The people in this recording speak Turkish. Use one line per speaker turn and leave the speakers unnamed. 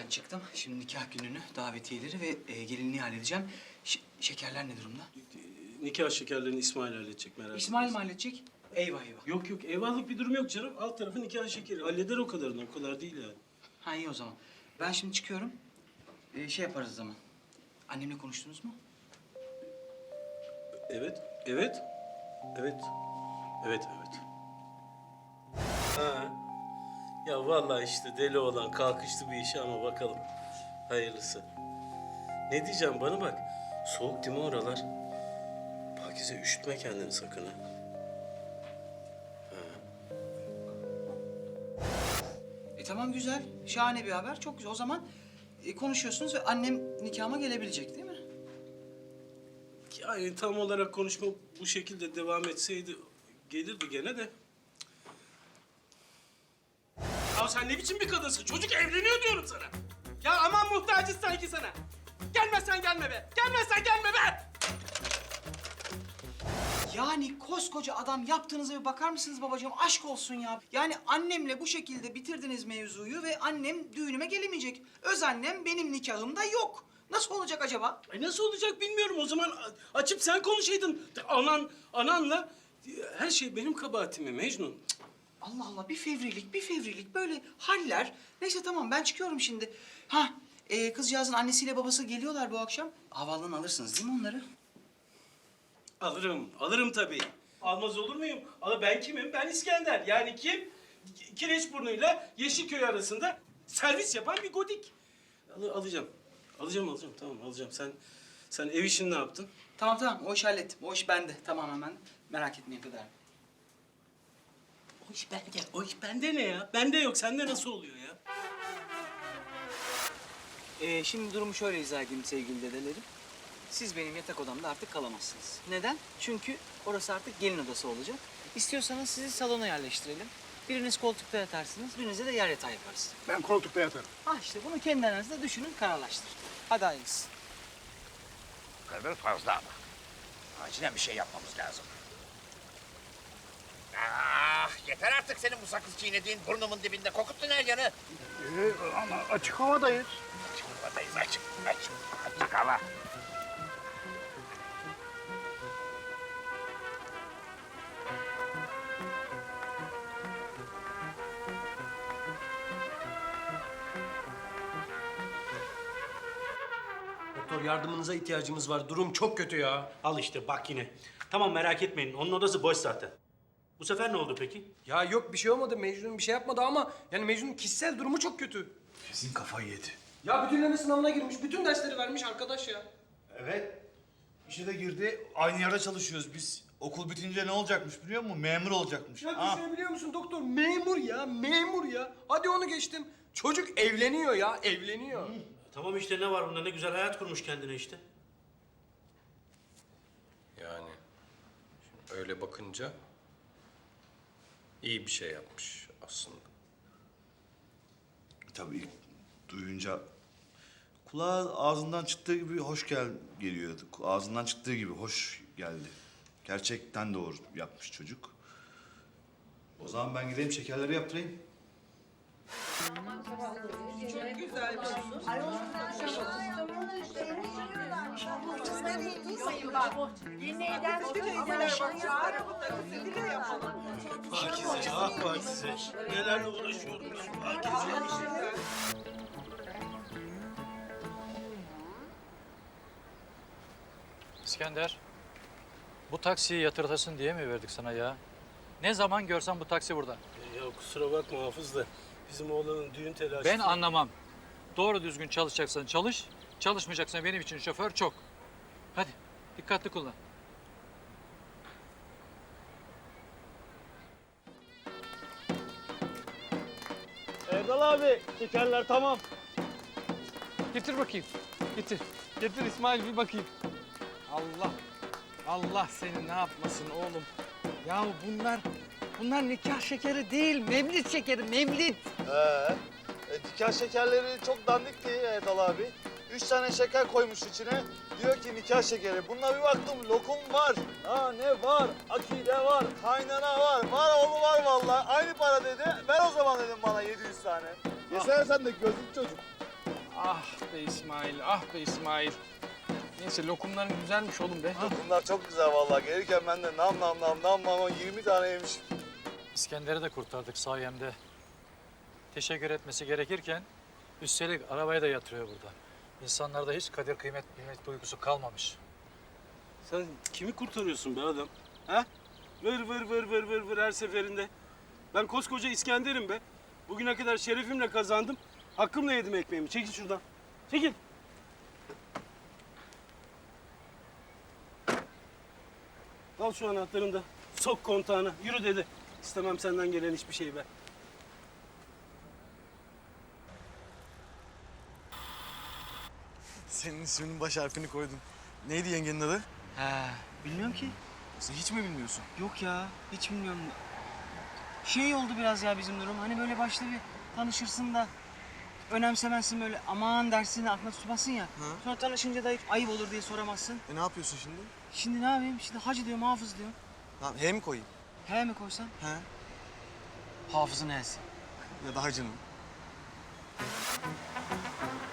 evden çıktım. Şimdi nikah gününü, davetiyeleri ve gelinliği halledeceğim. Şekerler ne durumda?
Nikah şekerlerini İsmail halledecek, merak etme.
İsmail mi halledecek? Eyvah eyvah.
Yok yok, eyvahlık bir durum yok canım. Alt tarafı nikah şekeri. Halleder o kadarını, o kadar değil yani.
Ha iyi o zaman. Ben şimdi çıkıyorum. Şey yaparız o zaman. Annemle konuştunuz mu?
Evet, evet. Evet. Evet, evet. Ha. Ya vallahi işte deli olan kalkıştı bir işe ama bakalım. Hayırlısı. Ne diyeceğim bana bak. Soğuk değil mi oralar? Pakize üşütme kendini sakın ha.
Tamam güzel. Şahane bir haber. Çok güzel. O zaman konuşuyorsunuz ve annem nikahıma gelebilecek değil mi?
Yani tam olarak konuşma bu şekilde devam etseydi gelirdi gene de. Ya sen ne biçim bir kadınsın? Çocuk evleniyor diyorum sana.
Ya aman muhtacız sanki sana. Gelmezsen gelme be. Gelmezsen gelme be.
Yani koskoca adam yaptığınıza bir bakar mısınız babacığım? Aşk olsun ya. Yani annemle bu şekilde bitirdiniz mevzuyu ve annem düğünüme gelemeyecek. Öz annem benim nikahımda yok. Nasıl olacak acaba?
Nasıl olacak bilmiyorum. O zaman açıp sen konuşaydın. Ananla her şey benim kabahatim mi Mecnun? Cık.
Allah Allah bir fevrilik böyle haller. Neyse tamam ben çıkıyorum şimdi. Ha kızcağızın annesiyle babası geliyorlar bu akşam. Havaalanından alırsınız değil mi onları?
Alırım tabii. Almaz olur muyum? Ama ben kimim? Ben İskender. Yani kim? Kireçburnu'yla Yeşilköy arasında servis yapan bir godik. Alacağım. Tamam alacağım. Sen ev işini ne yaptın?
Tamam o işi hallettim. O iş bende tamamen ben. Merak etmeyin kadar.
O iş bende ne ya? Bende yok. Sende nasıl oluyor ya?
Şimdi durumu şöyle izah edeyim sevgili dedelerim. Siz benim yatak odamda artık kalamazsınız. Neden? Çünkü orası artık gelin odası olacak. İstiyorsanız sizi salona yerleştirelim. Biriniz koltukta yatarsınız, birinize de yer yatağı yaparız.
Ben koltukta yatarım.
İşte bunu kendi aranızda düşünün, kararlaştırın. Hadi hayırlısı.
Bu kadar fazla ama. Acilen bir şey yapmamız lazım. Ah, yeter artık senin bu sakız çiğnediğin, burnumun dibinde kokuttun her yanı.
Ama açık havadayız.
Açık havadayız, açık hava.
Doktor yardımınıza ihtiyacımız var. Durum çok kötü ya.
Al işte bak yine. Tamam merak etmeyin. Onun odası boş zaten. Bu sefer ne oldu peki?
Ya yok bir şey olmadı. Mecnun bir şey yapmadı ama yani Mecnun'un kişisel durumu çok kötü.
Kesin kafayı yedi.
Ya bütünleme sınavına girmiş. Bütün dersleri vermiş arkadaş ya.
Evet. İşe de girdi. Aynı yerde çalışıyoruz biz. Okul bitince ne olacakmış biliyor musun? Memur olacakmış.
Ya düşünebiliyor musun doktor? Memur ya, memur ya. Hadi onu geçtim. Çocuk evleniyor ya, evleniyor.
Tamam işte ne var bunda? Ne güzel hayat kurmuş kendine işte.
Yani şimdi öyle bakınca iyi bir şey yapmış aslında.
Tabii ilk duyunca kulağa ağzından çıktığı gibi hoş geliyordu. Ağzından çıktığı gibi hoş geldi. Gerçekten doğru yapmış çocuk. O zaman ben gideyim şekerleri yaptırayım.
Pakize. Nelerle uğraşıyorum ben Pakize.
İskender, bu taksiyi yatırtasın diye mi verdik sana ya? Ne zaman görsen bu taksi burada.
Ya kusura bakma Hafız da bizim oğlanın düğün telaşı...
Ben anlamam. Doğru düzgün çalışacaksan çalış, çalışmayacaksan benim için şoför çok. Hadi, dikkatli kullan.
Erdal abi şekerler tamam.
Getir bakayım, getir. Getir İsmail bir bakayım. Allah seni ne yapmasın oğlum. Ya bunlar nikah şekeri değil, mevlid şekeri, mevlid.
Nikah şekerleri çok dandik değil Erdal abi. 3 tane şeker koymuş içine. Diyor ki nikah şekeri. Bununla bir baktım lokum var. Ha ne var? Akide var. Kaynana var. Var oğlu var vallahi. Aynı para dedi. Ver o zaman dedim bana 700 tane. Yesene sen de gözlük çocuk.
Ah be İsmail, ah be İsmail. Neyse lokumların güzelmiş oğlum be.
Bunlar çok güzel vallahi. Gelirken ben de nam 20 tane yemişim.
İskender'i de kurtardık sayemde. Teşekkür etmesi gerekirken üstelik arabaya da yatırıyor burada. İnsanlarda hiç kadir kıymet bilmek duygusu kalmamış.
Sen kimi kurtarıyorsun be adam? Ha? Vır her seferinde. Ben koskoca İskender'im be. Bugüne kadar şerefimle kazandım. Hakkımla yedim ekmeğimi. Çekil şuradan. Çekil. Al şu anahtarını da. Sok kontağına. Yürü dedi. İstemem senden gelen hiçbir şey be.
Senin isminin baş harfini koydum. Neydi yengenin adı?
He, bilmiyorum ki.
Sen hiç mi bilmiyorsun?
Yok ya, hiç bilmiyorum. Şey oldu biraz ya bizim durum. Hani böyle başta bir tanışırsın da önemsemezsin böyle aman dersin aklına tutmasın ya. Sonra tanışınca da hiç ayıp olur diye soramazsın.
Ne yapıyorsun şimdi?
Şimdi ne yapayım? Şimdi hacı diyorum, hafız diyorum.
Tamam, H mi koyayım?
He mi koysam?
He.
Hafızın H'si.
Ya da hacının.